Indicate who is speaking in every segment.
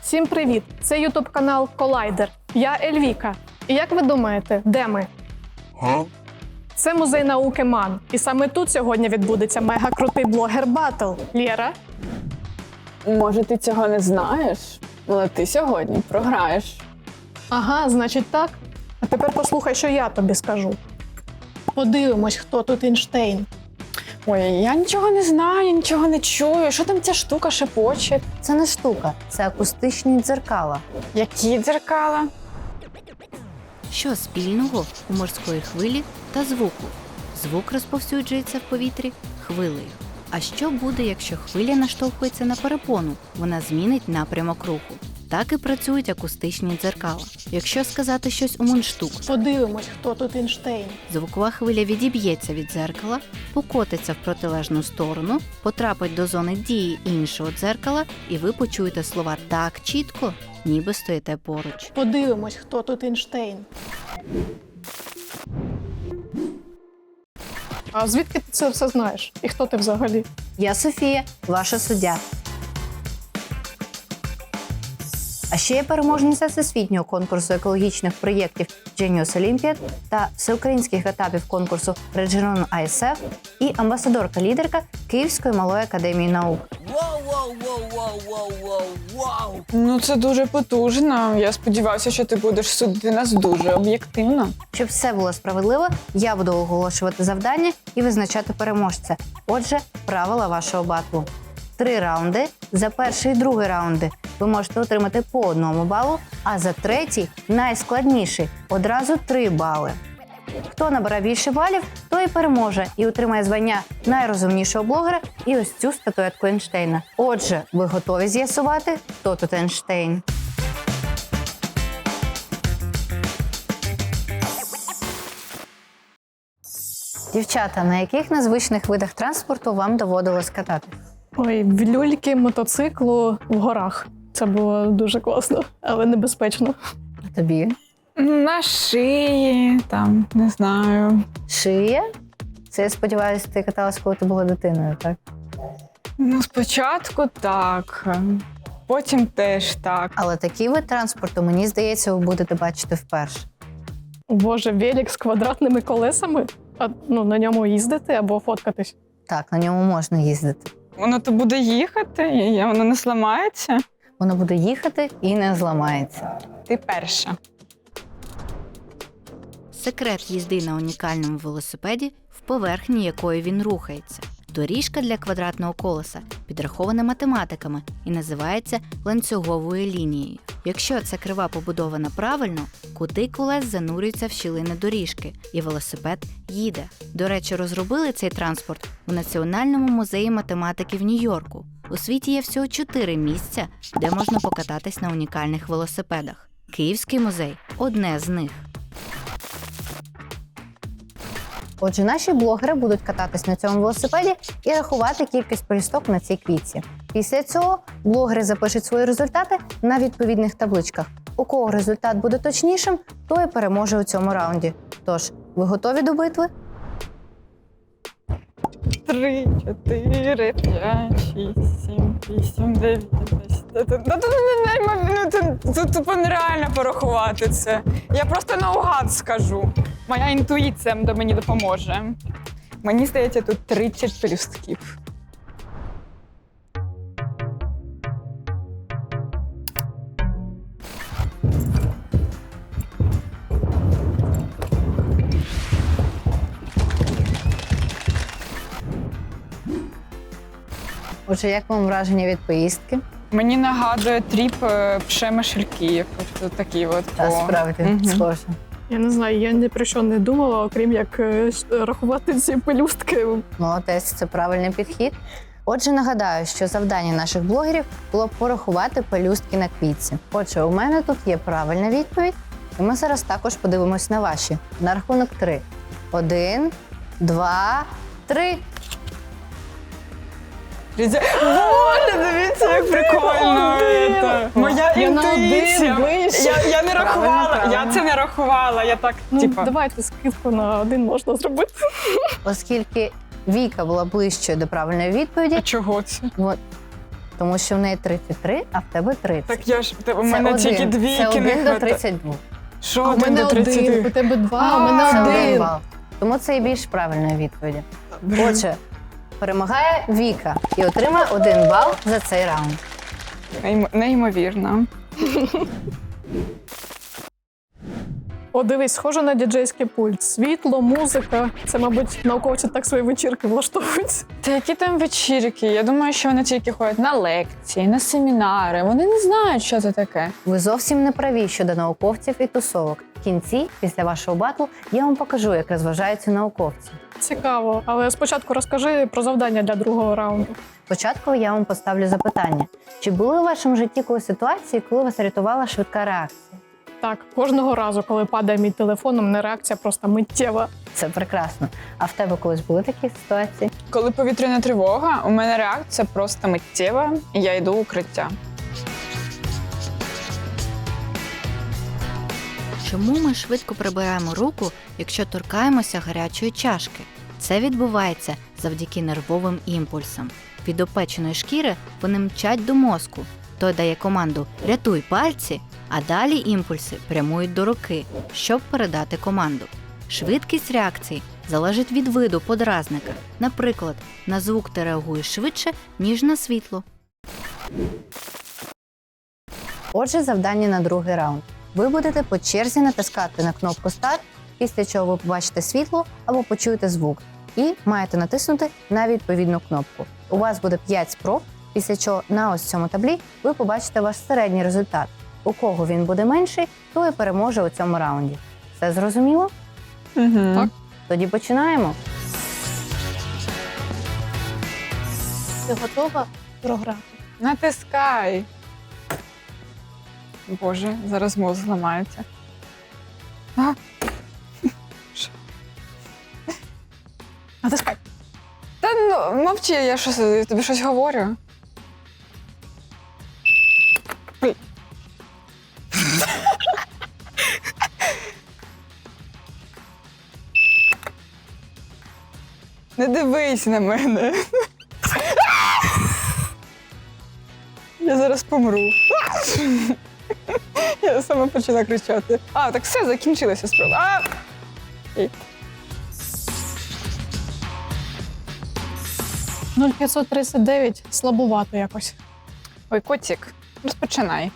Speaker 1: Всім привіт! Це ютуб-канал Колайдер. Я Ельвіка. І як ви думаєте, де ми? Це музей науки МАН. І саме тут сьогодні відбудеться мега-крутий блогер-баттл. Лєра?
Speaker 2: Може, ти цього не знаєш, але ти сьогодні програєш.
Speaker 1: Ага, значить так. А тепер послухай, що я тобі скажу. Подивимось, хто тут Ейнштейн.
Speaker 2: Ой, я нічого не знаю, нічого не чую. Що там ця штука шепоче?
Speaker 3: Це не штука, це акустичні дзеркала.
Speaker 2: Які дзеркала?
Speaker 4: Що спільного у морської хвилі та звуку? Звук розповсюджується в повітрі хвилею. А що буде, якщо хвиля наштовхується на перепону? Вона змінить напрямок руху. Так і працюють акустичні дзеркала. Якщо сказати щось у мундштук,
Speaker 1: Подивимось, хто тут Ейнштейн.
Speaker 4: звукова хвиля відіб'ється від дзеркала, покотиться в протилежну сторону, потрапить до зони дії іншого дзеркала, і ви почуєте слова так чітко, ніби стоїте поруч.
Speaker 1: Подивимось, хто тут Ейнштейн. А звідки ти це все знаєш? І хто ти взагалі?
Speaker 3: Я Софія, ваша суддя. А ще я переможниця всесвітнього конкурсу екологічних проєктів Genius Olympiad та всеукраїнських етапів конкурсу Region ISF і амбасадорка-лідерка Київської малої академії наук.
Speaker 2: Ну, це дуже потужно. Я сподіваюся, що ти будеш судити нас дуже об'єктивно.
Speaker 3: Щоб все було справедливо, я буду оголошувати завдання і визначати переможця. Отже, правила вашого батлу. 3 раунди. За перший і другий раунди ви можете отримати по 1 балу, а за третій, найскладніший, одразу 3 бали. Хто набере більше балів, той і переможе і отримає звання найрозумнішого блогера і ось цю статуетку Ейнштейна. Отже, ви готові з'ясувати, хто тут Ейнштейн? Дівчата, на яких незвичних видах транспорту вам доводилось катати?
Speaker 1: Ой, в люльки, мотоциклу в горах. Це було дуже класно, але небезпечно.
Speaker 3: А тобі?
Speaker 2: На шиї, там, не знаю.
Speaker 3: Шия? Це, я сподіваюся, ти каталась, коли ти була дитиною, так?
Speaker 2: Ну, спочатку так, потім теж так.
Speaker 3: Але такий вид транспорту, мені здається, ви будете бачити вперше.
Speaker 1: О, Боже, велик з квадратними колесами? А на ньому їздити або фоткатись?
Speaker 3: Так, на ньому можна їздити.
Speaker 2: Воно то буде їхати, і воно не зламається.
Speaker 3: Воно буде їхати і не зламається.
Speaker 2: Ти перша.
Speaker 4: Секрет їзди на унікальному велосипеді в поверхні якої він рухається. Доріжка для квадратного колеса підрахована математиками і називається ланцюговою лінією. Якщо ця крива побудована правильно, кути колес занурюються в щілини доріжки, і велосипед їде. До речі, розробили цей транспорт у Національному музеї математики в Нью-Йорку. У світі є всього 4 місця, де можна покататись на унікальних велосипедах. Київський музей – одне з них.
Speaker 3: Отже, наші блогери будуть кататись на цьому велосипеді і рахувати кількість пелюсток на цій квітці. Після цього блогери запишуть свої результати на відповідних табличках. У кого результат буде точнішим, той і переможе у цьому раунді. Тож, ви готові до битви?
Speaker 2: 3, 4, 5, 6, 7, 8, 9, 10. Тут тупо нереально порахувати це. Я просто наугад скажу. Моя інтуїція мені допоможе. Мені здається, тут 30 пелюстків.
Speaker 3: Отже, як вам враження від поїздки?
Speaker 2: Мені нагадує тріп Пшемишельків. Ось такі от.
Speaker 3: Та справді, схоже.
Speaker 1: Я не знаю, я ні про що не думала, окрім як рахувати ці пелюстки.
Speaker 3: Молодець, це правильний підхід. Отже, нагадаю, що завдання наших блогерів було порахувати пелюстки на квітці. Отже, у мене тут є правильна відповідь, і ми зараз також подивимось на ваші. На рахунок 3. 1, 2, 3.
Speaker 2: Боже, дивіться, як прикольно. Моя
Speaker 1: Я на один
Speaker 2: інтуїція.
Speaker 1: ближче.
Speaker 2: Я не рахувала,
Speaker 3: Правильно.
Speaker 2: я це не рахувала. Я так,
Speaker 1: Давайте скидку на 1 можна зробити.
Speaker 3: Оскільки Віка була ближчою до правильної відповіді,
Speaker 2: а чого це?
Speaker 3: Тому що в неї 33, а в тебе 30.
Speaker 2: Так я ж, у
Speaker 3: Це
Speaker 2: мене
Speaker 3: один.
Speaker 2: тільки двійки
Speaker 3: Це
Speaker 2: не
Speaker 3: 1 до
Speaker 2: хватає.
Speaker 3: 32.
Speaker 2: Що
Speaker 1: А у
Speaker 2: 1
Speaker 1: мене
Speaker 2: до
Speaker 1: 1,
Speaker 2: 32?
Speaker 1: у тебе 2, а у
Speaker 2: Це
Speaker 1: мене
Speaker 3: Це 1
Speaker 1: 1.
Speaker 3: бал. Тому це і більш правильної відповіді. Отже, перемагає Віка і отримає 1 бал за цей раунд.
Speaker 2: Неймовірно.
Speaker 1: О, дивись, схоже на діджейський пульт. Світло, музика. Це, мабуть, науковці так свої вечірки влаштовують.
Speaker 2: Та які там вечірки? Я думаю, що вони тільки ходять на лекції, на семінари. Вони не знають, що це таке.
Speaker 3: Ви зовсім не праві щодо науковців і тусовок. В кінці, після вашого батлу, я вам покажу, як розважаються науковці.
Speaker 1: Цікаво. Але спочатку розкажи про завдання для другого раунду.
Speaker 3: Спочатку я вам поставлю запитання. Чи були у вашому житті колись ситуації, коли вас рятувала швидка реакція?
Speaker 1: Так, кожного разу, коли падає мій телефон, у мене реакція просто миттєва.
Speaker 3: Це прекрасно. А в тебе колись були такі ситуації?
Speaker 2: Коли повітряна тривога, у мене реакція просто миттєва, і я йду в укриття.
Speaker 4: Чому ми швидко прибираємо руку, якщо торкаємося гарячої чашки? Це відбувається завдяки нервовим імпульсам. Від опеченої шкіри вони мчать до мозку. Той дає команду «рятуй пальці», а далі імпульси прямують до руки, щоб передати команду. Швидкість реакції залежить від виду подразника. Наприклад, на звук ти реагуєш швидше, ніж на світло.
Speaker 3: Отже, завдання на другий раунд. Ви будете по черзі натискати на кнопку «Старт», після чого ви побачите світло або почуєте звук. І маєте натиснути на відповідну кнопку. У вас буде 5 спроб, після чого на ось цьому таблі ви побачите ваш середній результат. У кого він буде менший, той і переможе у цьому раунді. Все зрозуміло?
Speaker 2: Угу.
Speaker 1: Так.
Speaker 3: Тоді починаємо.
Speaker 1: Ти готова програти?
Speaker 2: Натискай. Боже, зараз мозг зламається. А?
Speaker 1: Натискай.
Speaker 2: Та ну, мовчи, я тобі щось говорю. Ой. Не дивись на мене. Я зараз помру. Я сама почала кричати. А, так все, закінчилася справа. А! Ей.
Speaker 1: 0,539 слабувато якось.
Speaker 2: Ой, котик, розпочинай.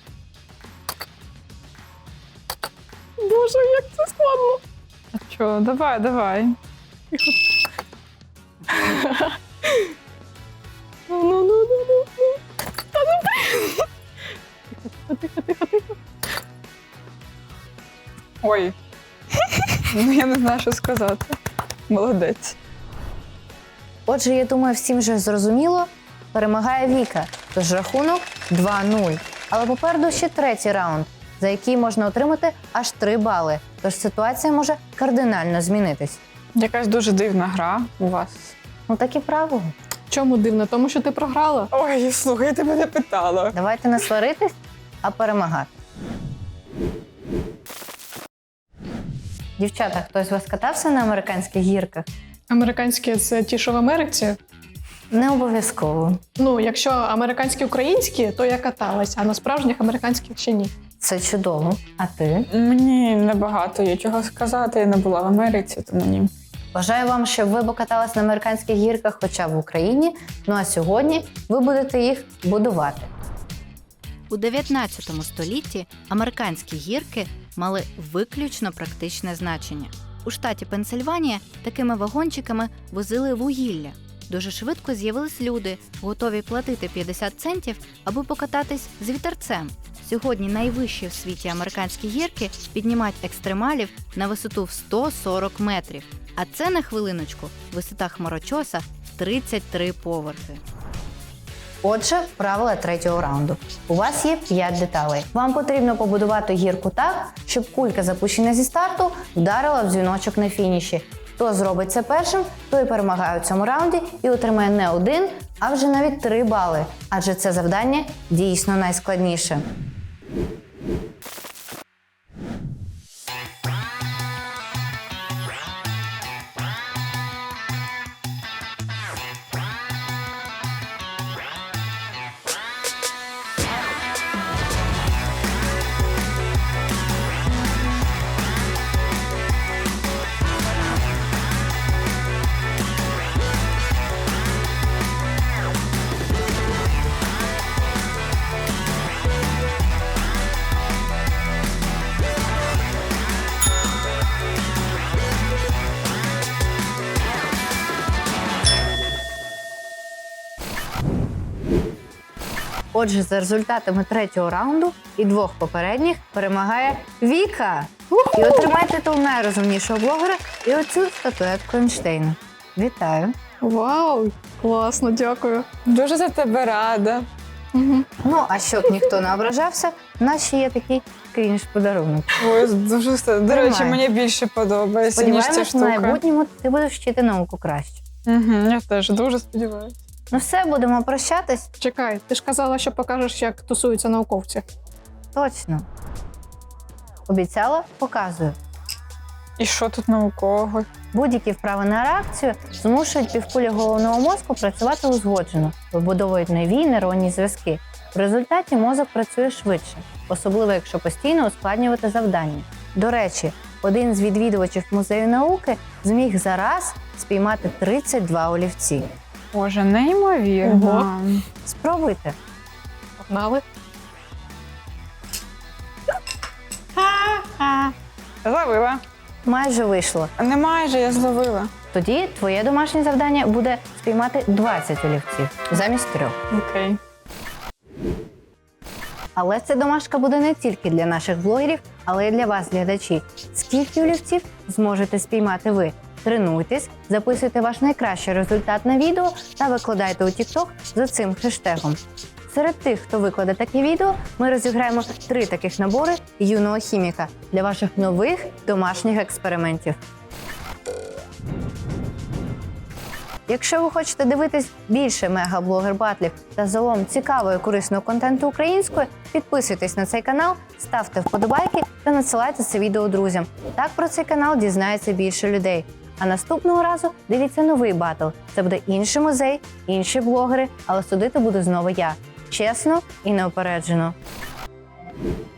Speaker 1: Боже, як це складно.
Speaker 2: А що, давай.
Speaker 1: Ну. Та ну, блін. Тихо.
Speaker 2: Ой. Ну, я не знаю, що сказати. Молодець.
Speaker 3: Отже, я думаю, всім вже зрозуміло. Перемагає Віка, тож рахунок 2-0. Але попереду ще третій раунд, за який можна отримати аж 3 бали. Тож ситуація може кардинально змінитись.
Speaker 2: Якась дуже дивна гра у вас.
Speaker 3: Ну такі правила.
Speaker 1: Чому дивно? Тому що ти програла.
Speaker 2: Ой, слухай, я тебе не питала.
Speaker 3: Давайте не сваритись, а перемагати. Дівчата, хтось з вас катався на американських гірках?
Speaker 1: Американські це ті, що в Америці.
Speaker 3: Не обов'язково.
Speaker 1: Ну, якщо американські українські, то я каталась, а на справжніх американських ще ні.
Speaker 3: Це чудово. А ти?
Speaker 2: Мені небагато є чого сказати, я не була в Америці, тому ні.
Speaker 3: Бажаю вам, щоб ви покатались на американських гірках хоча б в Україні. Ну а сьогодні ви будете їх будувати.
Speaker 4: У 19 столітті американські гірки мали виключно практичне значення. У штаті Пенсильванія такими вагончиками возили вугілля. Дуже швидко з'явились люди, готові платити 50 центів, аби покататись з вітерцем. Сьогодні найвищі в світі американські гірки піднімають екстремалів на висоту в 140 метрів. А це, на хвилиночку, висота хмарочоса в 33 поверхи.
Speaker 3: Отже, правила третього раунду. У вас є 5 деталей. Вам потрібно побудувати гірку так, щоб кулька, запущена зі старту, вдарила в дзвіночок на фініші. Хто зробить це першим, той перемагає у цьому раунді і отримає не 1, а вже навіть 3 бали. Адже це завдання дійсно найскладніше. Отже, за результатами третього раунду і двох попередніх перемагає Віка. І отримає титул найрозумнішого блогера і оцю статуетку Ейнштейна. Вітаю!
Speaker 1: Вау! Класно, дякую.
Speaker 2: Дуже за тебе рада.
Speaker 1: Угу.
Speaker 3: Ну, а щоб ніхто не ображався, в нас ще є такий крінж-подарунок.
Speaker 2: Ой, дуже все. До речі,
Speaker 3: Тримай.
Speaker 2: мені більше подобається, ніж ця
Speaker 3: Сподіваємось, в
Speaker 2: штука.
Speaker 3: майбутньому ти будеш вчити науку краще.
Speaker 2: Я теж дуже сподіваюся.
Speaker 3: Ну все, будемо прощатись?
Speaker 1: Чекай, ти ж казала, що покажеш, як тусуються науковці.
Speaker 3: Точно. Обіцяла? Показую.
Speaker 2: І що тут наукового?
Speaker 3: Будь-які вправи на реакцію змушують півкулі головного мозку працювати узгоджено, вибудовують нові нейронні зв'язки. В результаті мозок працює швидше, особливо якщо постійно ускладнювати завдання. До речі, один з відвідувачів музею науки зміг за раз спіймати 32 олівці.
Speaker 2: Боже, неймовірно.
Speaker 1: Ого.
Speaker 3: Спробуйте.
Speaker 1: Погнали.
Speaker 2: Зловила.
Speaker 3: Майже вийшло.
Speaker 2: Не майже, я зловила.
Speaker 3: Тоді твоє домашнє завдання буде спіймати 20 олівців замість 3.
Speaker 2: Окей.
Speaker 3: Але ця домашка буде не тільки для наших блогерів, але й для вас, глядачі. Скільки олівців зможете спіймати ви? Тренуйтесь, записуйте ваш найкращий результат на відео та викладайте у TikTok за цим хештегом. Серед тих, хто викладе таке відео, ми розіграємо 3 таких набори юного хіміка для ваших нових домашніх експериментів. Якщо ви хочете дивитись більше мегаблогер-батлів та загалом цікавого і корисного контенту українською, підписуйтесь на цей канал, ставте вподобайки та надсилайте це відео друзям. Так про цей канал дізнається більше людей. А наступного разу дивіться новий батл. Це буде інший музей, інші блогери, але судити буду знову я. Чесно і неупереджено.